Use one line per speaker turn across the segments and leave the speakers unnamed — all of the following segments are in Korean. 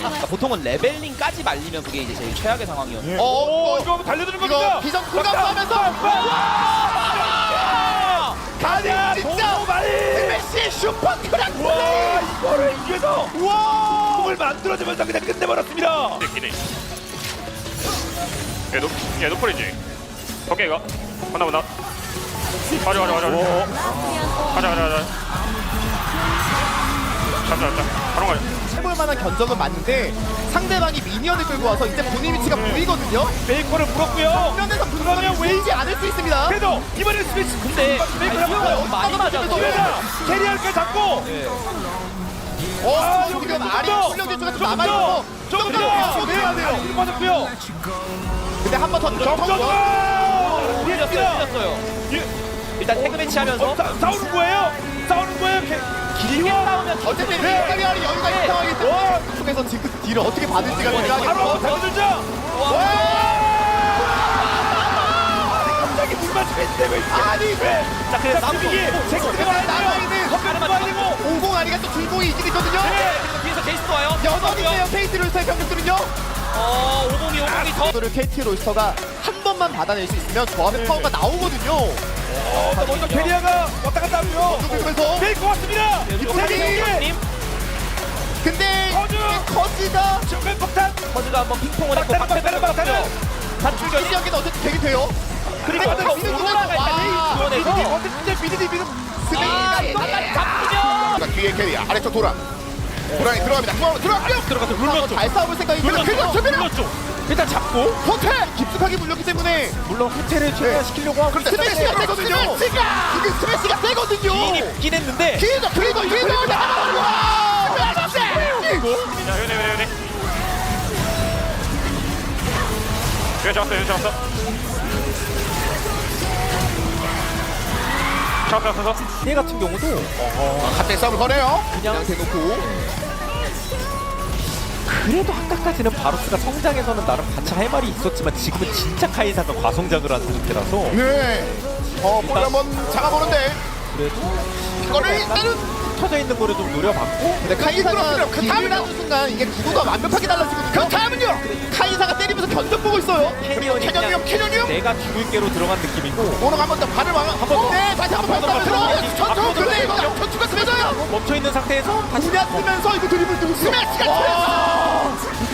그러니까 보통은 레벨링까지 말리면 그게 이제 제일 최악의 상황이었는데.
이거 한번 달려드는 겁니다.
비전 쿨감하면서
가냐
진짜
도발이.
메시 슈퍼 크랙
와 이거를 이겨서 공을 만들어주면서 그냥 끝내버렸습니다.
기네. 얘 노플이지. 오케이가. 간다. 가자. 잡자. 바로 가자.
해볼 만한 견적은 맞는데 상대방이 미니언을 끌고 와서 이제 본인 위치가 보이거든요.
베이커를 물었고요.
정면에서 불러면 보이지 않을 수 있습니다.
그래도 이번에는 스매시.
근데
베이커를
아이디어가
한번
너무 많이 맞아서
기회다. 캐리할까 잡고.
여기 지금 아리 훈련 기초가 좀
조금
남아있고
조금 더 내야 돼요. 이거 맞았고요.
근데 한 번더
점점
밀렸어요. 일단 태그 매치 하면서
싸우는 거예요.
길게 싸우면
어쨌든
네.
이탈리아리 여유가 있는 상황이기 때문에 속에서 지금 딜을 어떻게 받을지가
바로
중요하겠고
달려들자. 갑자기 물 맞추고 있는데 아니 왜?
자 그래서
이게 쟁점이
남아있는
컴퓨터
50 아리가 또 줄공이 있긴 있거든요.
뒤에서 제이스도 와요.
여전히세요 KT 롤스터의 병력들은요.
50이 더.
이거를 KT 롤스터가 한 번만 받아낼 수 있으면 조합의 파워가 나오거든요.
먼저 캐리아가 왔다 갔다 하고요.
그러면서
베이커 왔습니다.
님
근데
커즈!
이게 커즈가
정면 폭탄.
커즈가 한번 핑퐁을 했고
때려봐.
단출결이
실력이 어쨌든 되게 돼요.
그리고 오로라가 일단 지원해서
미드디
스메이가
잡히면
자, 뒤에 캐리야 아래쪽 돌아 도랑이 들어갑니다. 중앙으로 들어갑니다.
들어가서
한번 잘 싸울 생각이 들어요.
일단 잡고
호텔 깊숙하게 물렸기 때문에
물론 호텔을 최대화시키려고 하고
그런데 스매시가 세거든요. 이게 스매시가 세거든요.
있긴 했는데
기회죠. 그리고
얘 잡았어. 잡았어.
얘 같은 경우도
갑자기 싸움을 거네요.
그냥 대놓고
그래도 아까까지는 바로스가 성장에서는 나름 같이 할 말이 있었지만 지금은 진짜 카이사가 과성장을 한 상태라서
네. 볼 한번 잡아보는데
그래도
이거를 일단은
터져 있는 거를 좀 노려봤고
근데 카이사가
그렇습니다. 그
딜을
다음에는-
하는 순간 이게 구도가 완벽하게 달라지거든요.
그 다음은요.
카이사가 때리면서 견적 보고 있어요.
캐년이요.
내가 죽을 게로 들어간 느낌이고
오늘 한번 더 발을 한번
네, 다시 한번 봤다면서
전투 근데 이거 전투가 세져요.
멈춰있는 상태에서 다시
구냐 쓰면서 이거 드리블 뜨고
스매시가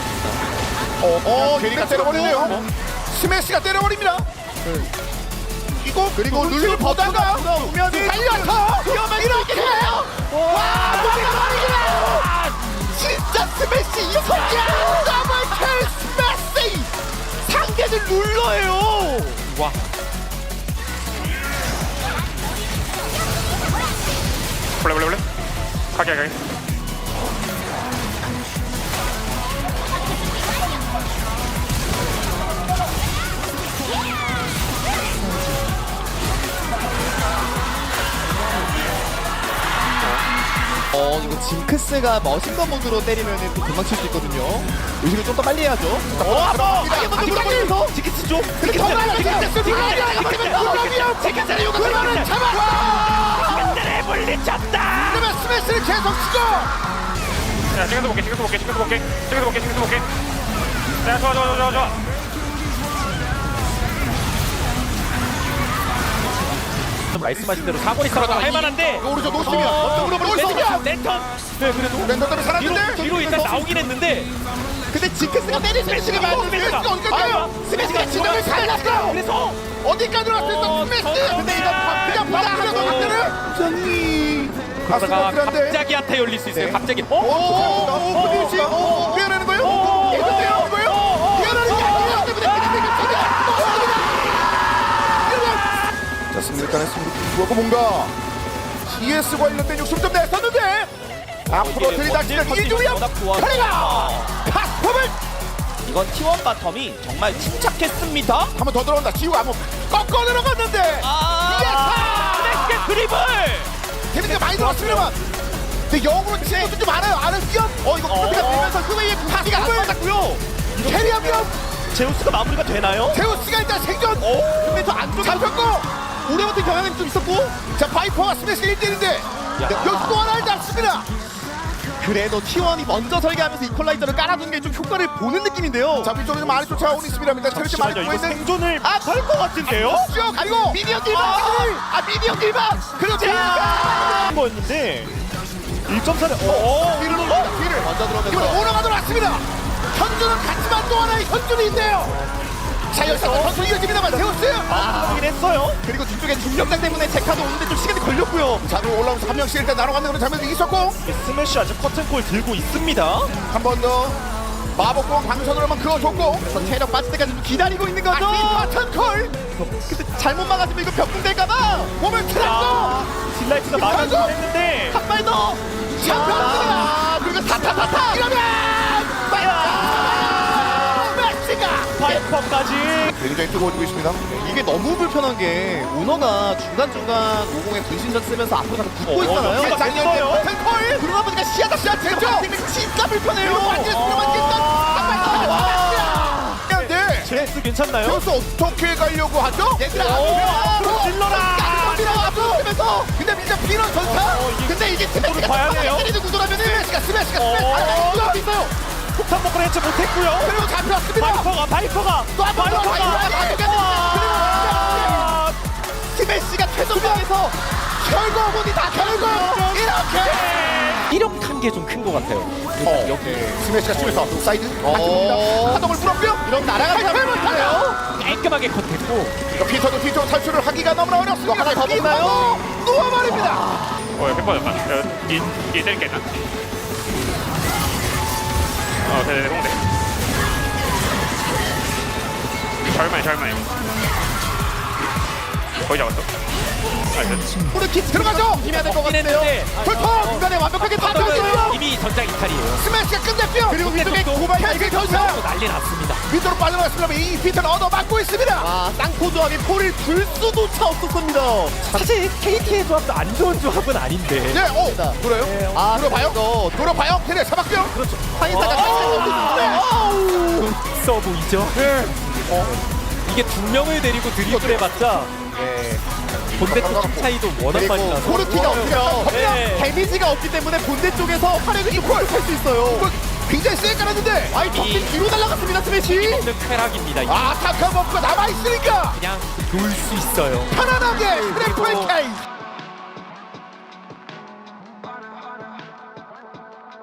캐리가 때려버리네요. 스매시가 때려버립니다. 이거
그리고 눈을 보다가
보면 달려서
이렇게 해요. 와, 진짜 스매시 이성이야. 더블킬 스매시. 상대를 눌러요.
와
블레. 가게.
이거 징크스가 머신건 모드로 때리면은 또 금방 칠 수 있거든요. 의식을 좀 더 빨리 해야죠.
한번
눌러면서
징크스 좀
근데 정말 징크스를 요구 그러면 잡아.
징크스를 물리쳤다.
그러면 스매시를 계속 치죠.
야, 찍어서 볼게. 야, 좋아.
말씀하신 대로 사거리 싸움 할 만한데
오른쪽 노스면 언덕으로 보였습니다.
랜턴 네 그래도
랜턴 때문에 살았는데
뒤로 일단 나오긴 했는데
근데 징크스가 때리는 스매시가
스매시가 어디까지요?
스매시가 진영을 살렸어.
그래서
어디까지 왔어 스매시.
근데 이거 그냥
방금 반대를 정리.
그러다가
가슴
갑자기 한타 열릴 수 있어요. 갑자기
오, 그렇지. 미안하는 거예요? 이거요? 이거요? 미안하는 게 아니에요. 때문에 자, 승리를 따냈습니다. 그거 뭔가 GS 관련된 욕심 좀 냈었는데 앞으로 들이닥치는 이주영 카리가 파스폼을
이건 T1 바텀이 정말 침착했습니다.
한 번 더 들어온다. 지우 한번 꺾어 들어갔는데
스매시의 드리블.
데미지가 많이 들어왔습니다만 근데 역으로 치는 것도 좀 알아요. 아는 위험. 이거 코트가 되면서 후웨이의 파티가 안 맞았고요. 캐리어 위험.
제우스가 마무리가 되나요?
제우스가 일단 생존.
근데 저 안쪽에
잡혔고
오래 버틴 경향이 좀 있었고
자 바이퍼가 스매시 1대1인데 여기 또 하나 하지 않습니다.
그래도 T1이 먼저 설계하면서 이퀄라이저를 깔아주는 게 좀 효과를 보는 느낌인데요.
자 위쪽에서 많이 쫓아오고 있습니다. 체력이 많이
잠시만요.
보고
이거
있는
생존을 할것 같은데요?
쭉 그리고
미니언 딜박! 미니언 딜박!
그리고
한 거였는데 1.4를
뒤를 올립니다. 뒤를
먼저
이번에
들어오면서
오너가 들어왔습니다. 현주는 같지만 또 하나의 현준이 있네요. 자 여기서 현준이 이어집니다만 세웠어요.
하긴 했어요.
그리고 뒤쪽에 중력장 때문에 제카도 오는데 좀 시간이 걸렸고요.
자 그리고 올라오면서 한 명씩 일단 나눠가는 그런 장면이 있었고
스매시 아직 커튼콜 들고 있습니다.
한 번 더 마법공 방선으로만 그어줬고
저 체력 빠질 때까지 좀 기다리고 있는 거죠.
버튼콜
근데 잘못 막았으면 이거 벽궁 될까봐
몸을 틀었고
딜라이트가 막아주긴 했는데
한 발 더.
잡혔습니다. 그리고 타타타타 이러면 메시가
파이퍼까지
굉장히 뜨거워지고 있습니다.
이게 너무 불편한 게 오너가 중간중간 50에 분신전 쓰면서 앞으로 가서 붙고 있잖아요.
여기가 됐어요.
버튼콜
그러다 보니까 시야가
됐죠?
진짜 불편해요.
그리고 완전 수로만 깼던 네.
제스 괜찮나요?
여기서 어떻게 가려고 하죠?
얘들아,
질러라!
밀어가면서
근데 이제 비런 전사
근데 이게
구도를 봐야 돼요.
때리는 구도라면은
스매시가
구도가 있어요.
폭탄 먹고 해체 못했고요.
그리고 잡혔습니다.
바이퍼가
또 한 번 더
아,
스매시가 최종적에서
결국은 다 결국 이렇게
이력한 게 좀 큰 것 같아요.
여기 스매시가 치면서 사이드 안쪽입니다. 하동을 풀었고요.
이런 날아가는 사람이에요.
깔끔하게 컷했고
피터도 뒤쪽 탈출을 하기가 너무나 어렵습니다.
하나 더 먹나요?
누워버립니다.
햇받았다. 이 때릴게 일단. 네네 홍대. 절만해. 거의 잡았어.
프리킥 들어가죠.
힘해야 될 것 같은데요.
불통 중간에 완벽하게 빠졌어요.
이미 전장 이탈이에요.
스매시가 끝냈고요. 그리고 위쪽에 고발 캔슬 전사
난리 났습니다.
위쪽으로 빠져나갔습니다. 이 피터는 얻어맞고 있습니다.
와, 쌍포 조합이 포를 불 수조차 없었습니다.
사실 KT의 조합도 안 좋은 조합은 아닌데.
네, 돌아요.
아,
돌아봐요. 돌아봐요. 걔네 잡았고요.
그렇죠.
황인사가
있어 보이죠?
네.
이게 두 명을 데리고 드리블 해봤자 본대 쪽 차이도 워낙 많이 나서
코르티가 없죠.
네.
데미지가 없기 때문에 본대 쪽에서 활약을 좀 할수 있어요.
굉장히 세게 깔았는데
아이, 덕진 뒤로 날아갔습니다, 스매시.
없는 쾌락입니다. 이게
타카 버프가 남아있으니까
그냥 놀 수 있어요.
편안하게 스트레이트 웨이케이